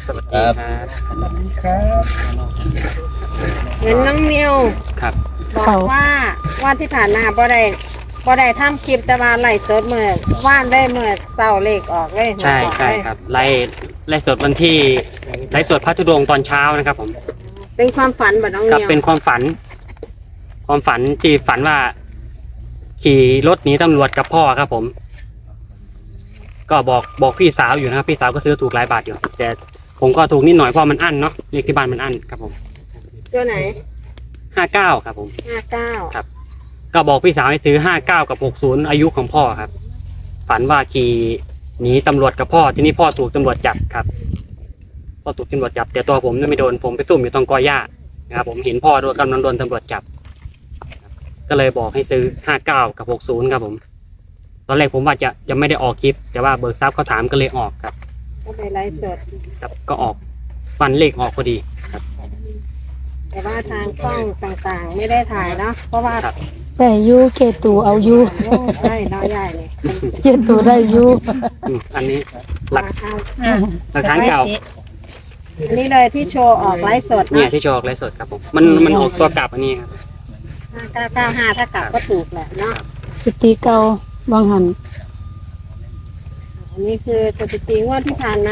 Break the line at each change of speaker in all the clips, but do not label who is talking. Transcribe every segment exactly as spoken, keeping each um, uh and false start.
สวัสดีครับ
ครับ
เห็นน้องนิว
ครับ
บอกว่าว่าที่ผ่านมาบ่ได้บ่ได้ทำคลิปแต่ว่าไล่สดเมื่อว่านได้เมื่อเศร้าเลขออกเลย
ใช่ใช่ครับไล่ไล่สดวันที่ไล่สดพระธุดงค์ตอนเช้านะครับผม
เป็นความฝันบ่น้อง
ครับ
นิว
เป็นความฝัน ความฝันที่ฝันว่า ขี่รถหนีตำรวจกับพ่อครับผม ก็บอกบอกพี่สาวอยู่นะครับพี่สาวก็ซื้อถูกหลายบาทอยู่แต่ผมก็ถูกนิดหน่อยเพราะมันอั้นเนาะเลขที่บ้านมันอั้นครับผม
ตัวไหน
ห้าเก้าครับผม
ห้าเก้า
ครับ ก็บอกพี่สาวให้ซื้อห้าเก้ากับหกศูนย์อายุของพ่อครับ ฝันว่าขี่หนีตำรวจกับพ่อที่นี่พ่อถูกตำรวจจับครับพ่อถูกตำรวจจับแต่ตัวผมไม่โดนผมไปซุ่มอยู่ตรงกอหญ้านะครับผมเห็นพ่อโดนกำลังโดนตำรวจจับ ก็เลยบอกให้ซื้อห้าเก้ากับหกศูนย์ครับผม ตอนแรกผมว่าจะจะไม่ได้ออกคลิป แต่ว่าเบิร์ซับเขาถามก็เลยออกครับ
ก็ไปไล่สด
ครับก็ออกฟันเลขออกพอดีครับ
แต่ว่าทางช่องต่างๆ ไม่ได้ถ่ายเนาะเพราะว่า
ครับ
ได้อยู่เคตูเอาอยู่
โอ้ใช่น้อยใหญ่เลย
เคตูได้อยู่
อืมอันนี้หลัก
เอา
หลักฐานเก่า
อันนี้เลยที่โชว์ออกไลฟ์สด
เนี่ย
นะ
ที่โชว์ออกไลฟ์สดครับผมมันมันออกตัวกลับอันนี้ครับ
ห้าเก้าเก้าห้าถ้ากลับก็ถูกแหละเนาะ
สติเก่าบางหัน
อันนี้คือสถิติงวดที่ผ่านมา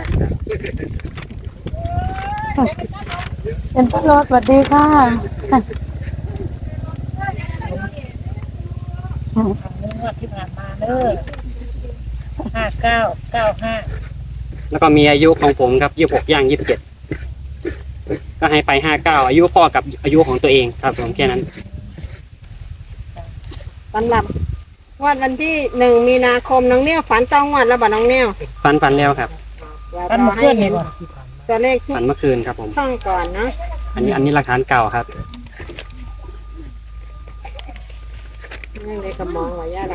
เป็นตลอดสวัสดีค่ะ
งวดที่ผ่านมาเด้อห้าเก้าเก้าห้า
แล้วก็มีอายุของผมครับยี่สิบหกย่างยี่สิบเจ็ดก็ให้ไปห้าเก้าอายุพ่อกับอายุของตัวเองครับผมแค่นั้น
สำหรับงวดวันที่หนึ่งมีนาคมน้องเนี่ยฝันต้องงวดแล้วบ่น้องเนี่ย
ฟันฟันแล้วครับ
เดี๋ยว
กัน
รอ
มา
ให้
เพื่อน
เห็
เห็
น
น
ตัวเลขที่
ฟันเมื่อคืนครับผม
ช่องก่อนเนาะ
อันนี้อันนี้หลักฐานเก่าครับ
นั่งในกระมองว่าย่าละ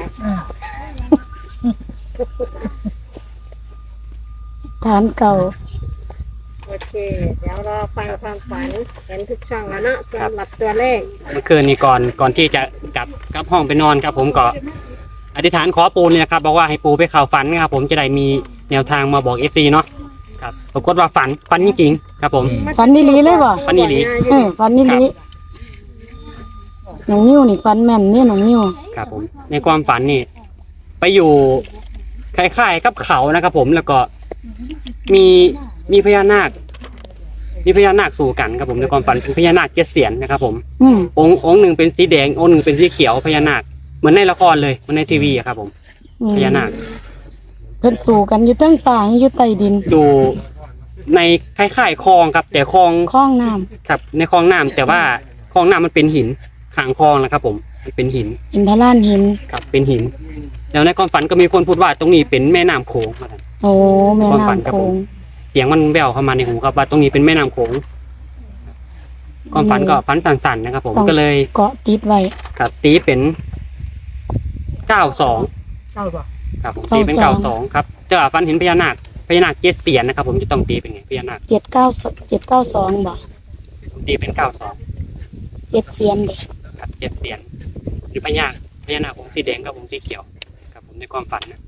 ฐานเก่า
โอเค เดี๋ยวรอฟังความฝันเห็นทุกช่องแล้วเนาะสำหรับตัวเลข
เมื่อคืนนี้ก่อนก่อนที่จะกลับกลับห้องไปนอนครับ ผมก็อธิษฐานขอปูนี่นะครับบอกว่าให้ปูไปเข่าฝันนะครับผมจะได้มีแนวทางมาบอกเอฟซีเนาะครับปรากฏว่าฝันฝันจริงๆครับผม
ฟันนี่ลีเลยบ่
ฝันอีหลี
เออฟันนี่ลีน้องนิ้วนี่ฟันแม่นเนี่ยน้องนิ้ว
ครับผมในความฝันนี่ไปอยู่คล้ายๆกับเขานะครับผมแล้วก็มีมีพญานาค มีพญานาคสู่กันครับผมในความฝันเป็นพญานาคเจ็ดเสียนนะครับผม
อืม
องค์องค์หนึ่งเป็นสีแดงองค์หนึ่งเป็นสีเขียวพญานาคเหมือนในละครเลยเหมือนในทีวีอะครับผม
อืม
พญานาค
เพิ่นสู่กันอยู่เทั้งฟ้าอยู่ใต้ดิน
อยู่ในคล้ายๆคลองครับ แต่คลอง
คลองน้ำ
ครับในคลองน้ำแต่ว่าคลองน้ำมันเป็นหินขางคลองนะครับผมมันเป็นหิน
อินทรานหิน
ครับเป็นหิน แล้วในความฝันก็มีคนพูดว่าตรงนี้เป็นแม่น้ำโขงครับ
โอ้แม่
ความฝัน
น้ำ
ครับ
โข
ผม
ง
เสียงมันแว่วเข้ามาในหูครับว่าตรงนี้เป็นแม่น้ำโขงความฝันก็ฝันสั่นๆนะครับ ผมก็เลย
เกาะติดไว้
ครับตีเป็นเก้าสอง
เก้าบ่
ครับผมตีเป็นเก้าสองครับแต่ว่าฝันเห็นพญานาคพญานาคเจ็ดเสียนนะครับ ผมจะต้องตีเป็นไงพญานาค
เจ็ดเก้าเจ็ดเก้าสองบ่
ผมตีเป็นเก้าสอง
เจ็ดเสียนเด็ก
ครับเจ็ดเสียนหรือพญาพญานาคผมสีแดงกับผมสีเขียวครับผมในความฝันนะ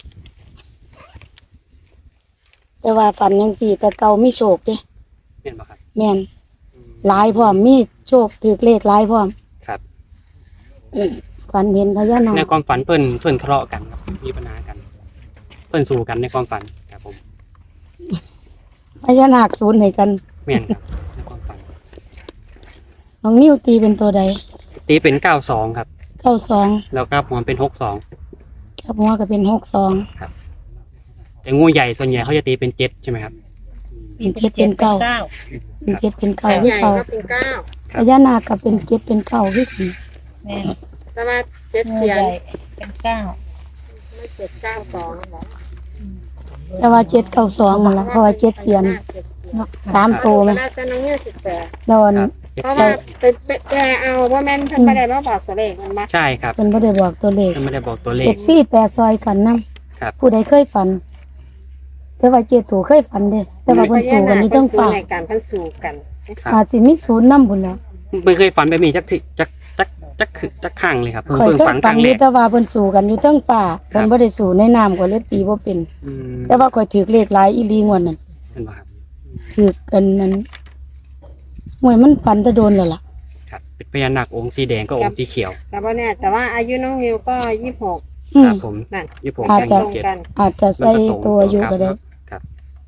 แต่ว่าฝันยังสี่แต่เก่ามีโชคเด้
เห็นไหมครับ
แม่น
อืม
หลายพร้อมมีโชคถือเลขหลายพร้อม
ครับ
ฝันเห็นพญานา
ใน
ค
ความฝันเพื่อนเพื่อนทะเลาะกันครับมีปัญหากัน เพื่อนสู้กันในความฝันครับผม
พญานาคศูนย์ให้กัน
แม่นครับในความฝัน
น้องนิ้วตีเป็นตัวใด
ตีเป็นเก้าสองครับ
เก้าสอง
แล้วก็หัวเป็นหกสอง
กับหัวก็เป็นหกสอง
แต่งูใหญ่ส่วนใหญ่เขาจะตีเป็นเจ็ดใช่ไหมครับ
เป็นเจ็ดเป็นเก้าเป็นเจ็ดเป็นเก้า
ให
คือ
ญ่
เก้า
ก็เป็นเก้า
พญานาคก็เป็นเจ็ดเป็นเก้าคือกัน
แม่
แต่ว่าเจ็ด
เงิน
เสีย
ให
น
ญ่เป็นเก้า
ไม่เจ็ดเก้าสองหรอ
แต่ว่าเจ็ดเก้าสองมันละเพราะว่าเจ็ดเสียนสามโตไหม
แล้วจะน้องเนี่ยสิบแปด
โดน
ครับ
เพราะว่าเป็นแกเอาว่าแม่นเพิ่นบ่ได้มาบอกตัวเลขมันมา
ใช่ครับ
เป็นบ่ได้บอกตัวเลข
ยังไม่ได้บอกตัวเล
เอ
ข
ฟซีแปรซอยกันนํ
ครับ
ผู้ใดเคยฝัน แต่ว่าเจ็ดสูเคยฝันเด้แต่ว่าเพิ่นสู่กันนี่ต้องฝาก
ในการเพิ่นสู่กัน
ครับ
อาจสิมีศูนย์นำพุ่นแล้ว
ไม่เคยฝันแบบนี้จักทีจักจักจักคือจักข้างเลยครับเพิ่ง
ข่อย
เพิ่ง
เคย
ฝันค
ฝั
รั้
น
ง
อ
แร
ยู่
ก
แต่ว่าเพิ่นสู่กันอยู่เทั้งฟ้า
ครั
เพิ่
บ
นบ่ได้สู่ในน้ำก็เลยตีบ่เป็น
อืม
แต่ว่าข่อยถือเลขหลายอีหลีงวดนั้น
เห็นป่ะครับ
คือกันนั้นหวยมันฝันจะโดนแล้วล่ะ
ครับเป็นพญานาคองค์สีแดงก็องค์สีเขียว
แต่ว่าเนี่ยแต่ว่าอายุน้องนิวก็ยี่สิบหก
อื
ค
ม
รับผม
นั่น
ยี่สิบหก
อาจ
แจ้ง
จะ
ตรง
เจ็ด
กัน
อาจจะใส่ตัวอายุก็ได้
ครับ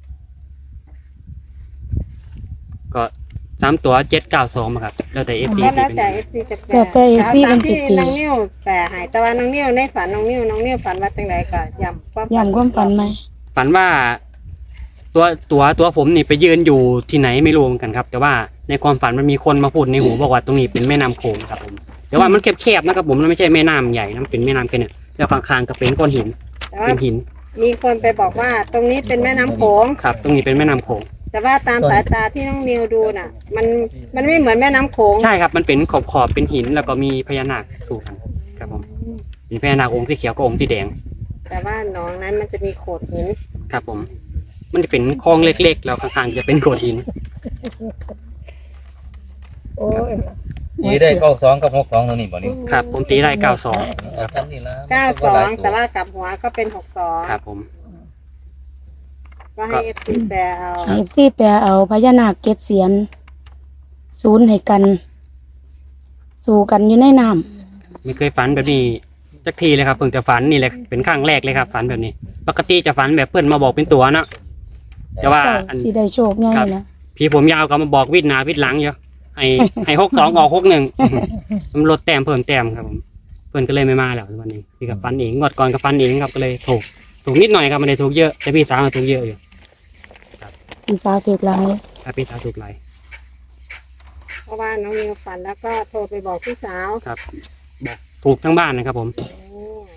ก็สามตัวเจ็ดเก้าสองมาครับแล้วแต่เอฟซี
แล้ว
ที่
แล้ว
เป็น
แต่เอฟซีจะแปล
แล้วแต่ เอฟซี
ตาม
เป็นสิ
ที่
บปี
น้องนิวแปลให้แต่ว่าน้องนิวในฝันน้องนิวน้องนิวฝันว่าจังไดก็ย้ำความ
ย้ำความฝันไหม
ฝันว่า ตัวตัวตัวผมนี่ไปยืนอยู่ที่ไหนไม่รู้เหมือนกันครับ แต่ว่าในความฝันมันมีคนมาพูดในหูบอกว่าตรงนี้เป็นแม่น้ำโขงครับผมแต่ว่ามันแคบๆนะครับผมมันไม่ใช่แม่น้ำใหญ่นะมันเป็นแม่น้ำแค่เนี้ยแล้วข้างๆก็เป็นก้อนหิน
แต่ว่า
เป็นหิน
มีคนไปบอกว่าตรงนี้เป็นแม่น้ำโขง
ครับ ตรงนี้เป็นแม่น้ำโขง
แต่ว่าตามสายตาที่น้องนิวดูน่ะ มันมันไม่เหมือนแม่น้ำโขง
ใช่ครับมันเป็นขอบขอบๆเป็นหินแล้วก็มีพญานาคสู่กันครับผมมีพญานาคองค์สีเขียวกับองค์สีแดง
แต่ว่าหนองนั้นมันจะมีโขดหิน
ครับผม มันจะเป็นคลองเล็กๆแล้วข้างๆจะเป็นโขดหิน
โอ้ย
นี่ได้เก้าสองกับหกสองตัวนี้บ่นี่
ครับ ผมตีได้เก้าสอง
เอาทำนี่ละ
เก้าสองแต่ว่ากลับหัวก็เป็นหกสอง
ครับผม
ก็ให้เอฟซีแปลเอา
เอฟซีแปลเอาพญานาคเกศเสียน ศูนย์ให้กัน สู่กันอยู่ในน้
ไม่เคยฝันแบบนี้สักทีเลยครับเพิ่งจะฝันนี่แหละเป็นครั้งแรกเลยครับ ฝันแบบนี้ ปกติจะฝันแบบเพื่อนมาบอกเป็นตัวเนาะแต่
ำ
ว่า
เจ้า
อัน
สิได้โชคง่ายนะ
พี่ผมยาวก็มาบอกวิดหนาวิดหลังเยอะให้ให้หกสองออกหกหนึ่ง มันลดแต้มเพิ่มแต้มครับผมเพื่อนก็เลยไม่มาแล้ววันนี้พี่กับฟันเองงวดก่อนกับฟันเองครับก็เลยถูกถูกนิดหน่อยครับไม่ได้ถูกเยอะแต่พี่สาวมาถูกเยอะอยู่
พี่สาวถูกหลาย
ถ้าพี่สาวถูกหลาย
เพราะว่าน้องนิวฝันแล้วก็โทรไปบอกพี่สาว
ครับบอกถูกทั้งบ้านนะครับผม
โอ้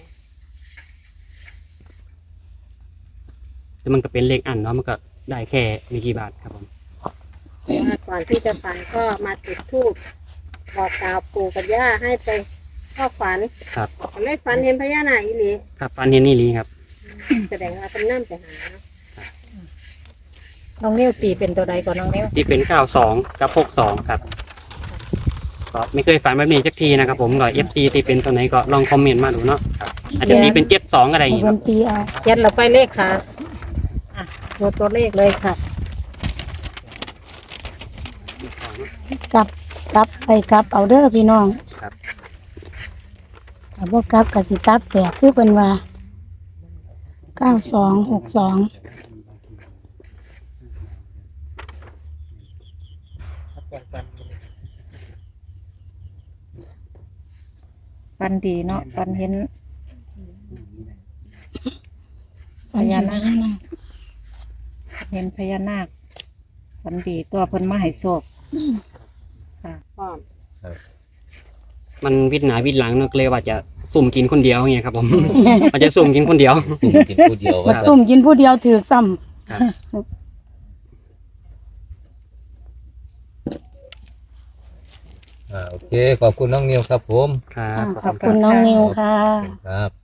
แต่มันก็เป็นเลขอันเนาะมันก็ได้แค่ไม่กี่บาทครับผม
แต่ว่าก่อนที่จะฝันก็มาจุดธูปบอกกล่าวปู่กับย่าให้ไปเข้าฝัน
ครับ
เลยฝันเห็นพญานาคอีหลี
ครับฟันเห็นนี่ลีครับ
แสดงว่าเป็นน้ำไปหาเนาะ
น้องนิ้วตีเป็นตัวใดก่อนน้องนิ้ว
ที่เป็นเก้าสองกับหกสองครับก็ไม่เคยฝันแบบนี้สักทีนะครับผมก็เอฟซีที่เป็นตัวไหนก็ลองคอมเมนต์มาดูเนาะครับอาจจะตีเป็นเจ็ดสองอะไรอย่าง
ให้
เงี้ย
เพิ่นตีเอา
เขียนเราไปเลขค่ะอ่ะดูตัวเลขเลยค่ะ
กลับกลับไปกลับเอาเด้อพี่น้อง
ครับ
ถ้าบ่กลับก็สิตัดแตกคือเพิ่นว่าเก้าสองหกสอง
ฟันดีเนาะฟันเห็น
พญานาค
เห็นพญานาคฟันดีตัวเพิ่นมาให้โชคค่ะ
พร้อม
มันวิดหนาวิดหลังเนอะก็เลยว่าจะสุ่มกินคนเดียวอย่างเงี้ยครับผม มันจะสุ่มกินคนเดียว
สุ่มกินผู้เดียว
บั
ว่า
ด
ซั่น
ซุ่มกินผู้เดียวถือกซ้ำ
ครับ
อ่าโอเคขอบคุณน้องนิวครับผม
ครับ
ขอบคุณน้องนิวค่ะ
ครับ